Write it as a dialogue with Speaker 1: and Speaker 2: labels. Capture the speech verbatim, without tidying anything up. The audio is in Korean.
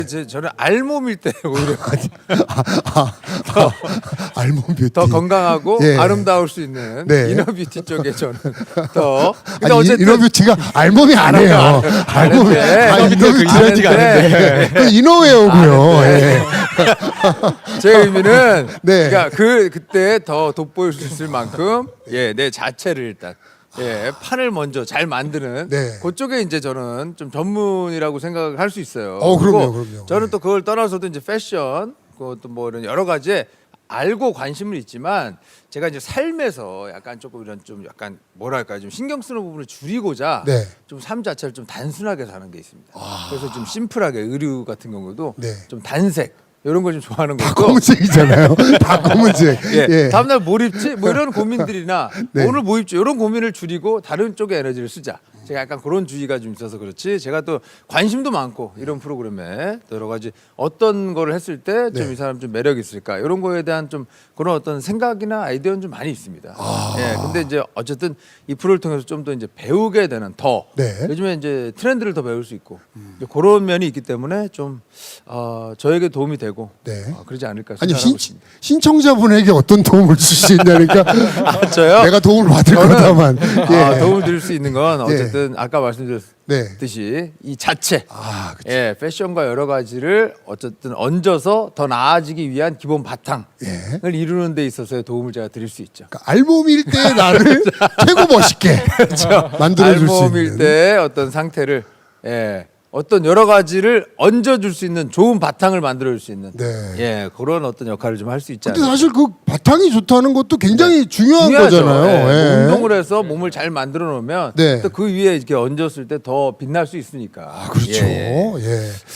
Speaker 1: 제 저는 알몸일 때 오히려
Speaker 2: 아, 아, 아, 알몸 뷰티.
Speaker 1: 더 건강하고
Speaker 2: 예.
Speaker 1: 아름다울 수 있는
Speaker 2: 네.
Speaker 1: 이너 뷰티 쪽에 저는 더. 근데
Speaker 2: 아니,
Speaker 1: 어쨌든
Speaker 2: 이너 뷰티가 알몸이 아니에요. 알몸이
Speaker 1: 아는데.
Speaker 2: 아,
Speaker 1: 이너
Speaker 2: 이너
Speaker 1: 뷰티가
Speaker 2: 뷰티가
Speaker 1: 아는데.
Speaker 2: 아닌데. 그 이너웨어고요. 예.
Speaker 1: 제 의미는
Speaker 2: 네.
Speaker 1: 그러니까 그 그때 더 돋보일 수 있을 만큼 예, 내 자체를 일단 예, 판을 먼저 잘 만드는
Speaker 2: 네.
Speaker 1: 그쪽에 이제 저는 좀 전문이라고 생각을 할 수 있어요.
Speaker 2: 어, 그럼요,
Speaker 1: 그리고
Speaker 2: 그럼요.
Speaker 1: 저는
Speaker 2: 네.
Speaker 1: 또 그걸 떠나서도 이제 패션 그것도 뭐 이런 여러 가지에 알고 관심은 있지만 제가 이제 삶에서 약간 조금 이런 좀 약간 뭐랄까 좀 신경 쓰는 부분을 줄이고자
Speaker 2: 네.
Speaker 1: 좀 삶 자체를 좀 단순하게 사는 게 있습니다. 그래서 좀 심플하게 의류 같은 경우도
Speaker 2: 네.
Speaker 1: 좀 단색 이런 걸 좀 좋아하는
Speaker 2: 다
Speaker 1: 거고.
Speaker 2: 검은색이잖아요. 다 검은색.
Speaker 1: 예.
Speaker 2: 예.
Speaker 1: 다음날 뭘 입지? 뭐 이런 고민들이나
Speaker 2: 네.
Speaker 1: 오늘 뭐 입지? 이런 고민을 줄이고 다른 쪽에 에너지를 쓰자. 제가 약간 그런 주의가 좀 있어서 그렇지. 제가 또 관심도 많고 이런 프로그램에 또 여러 가지 어떤 거를 했을 때 좀 이
Speaker 2: 네.
Speaker 1: 사람 좀 매력이 있을까 이런 거에 대한 좀 그런 어떤 생각이나 아이디어는 좀 많이 있습니다.
Speaker 2: 아.
Speaker 1: 예. 근데 이제 어쨌든 이 프로를 통해서 좀 더 이제 배우게 되는 더
Speaker 2: 네.
Speaker 1: 요즘에 이제 트렌드를 더 배울 수 있고 이제 그런 면이 있기 때문에 좀 어, 저에게 도움이 되고
Speaker 2: 네.
Speaker 1: 어, 그러지 않을까
Speaker 2: 아니
Speaker 1: 생각하고
Speaker 2: 신,
Speaker 1: 있습니다.
Speaker 2: 신청자분에게 어떤 도움을 줄 수 있냐니까
Speaker 1: 아, 저요?
Speaker 2: 내가 도움을 받을
Speaker 1: 저는
Speaker 2: 거다만 예.
Speaker 1: 아, 도움을 드릴 수 있는 건 어쨌든 아까 말씀드렸듯이
Speaker 2: 네.
Speaker 1: 이 자체
Speaker 2: 아, 그쵸.
Speaker 1: 예, 패션과 여러 가지를 어쨌든 얹어서 더 나아지기 위한 기본 바탕을
Speaker 2: 예.
Speaker 1: 이루는 데 있어서의 도움을 제가 드릴 수 있죠.
Speaker 2: 그러니까 알몸일 때 나를 최고 멋있게 만들어줄 수
Speaker 1: 알몸일
Speaker 2: 있는.
Speaker 1: 때 어떤 상태를 예, 어떤 여러 가지를 얹어줄 수 있는 좋은 바탕을 만들어줄 수 있는
Speaker 2: 네.
Speaker 1: 예, 그런 어떤 역할을 좀 할 수 있지
Speaker 2: 근데
Speaker 1: 않을까.
Speaker 2: 사실 그 바탕이 좋다는 것도 굉장히 중요한
Speaker 1: 중요하죠.
Speaker 2: 거잖아요.
Speaker 1: 예.
Speaker 2: 예.
Speaker 1: 운동을 해서 몸을 잘 만들어 놓으면
Speaker 2: 네.
Speaker 1: 또 그 위에 이렇게 얹었을 때 더 빛날 수 있으니까.
Speaker 2: 아, 그렇죠.
Speaker 1: 예, 예.
Speaker 2: 예.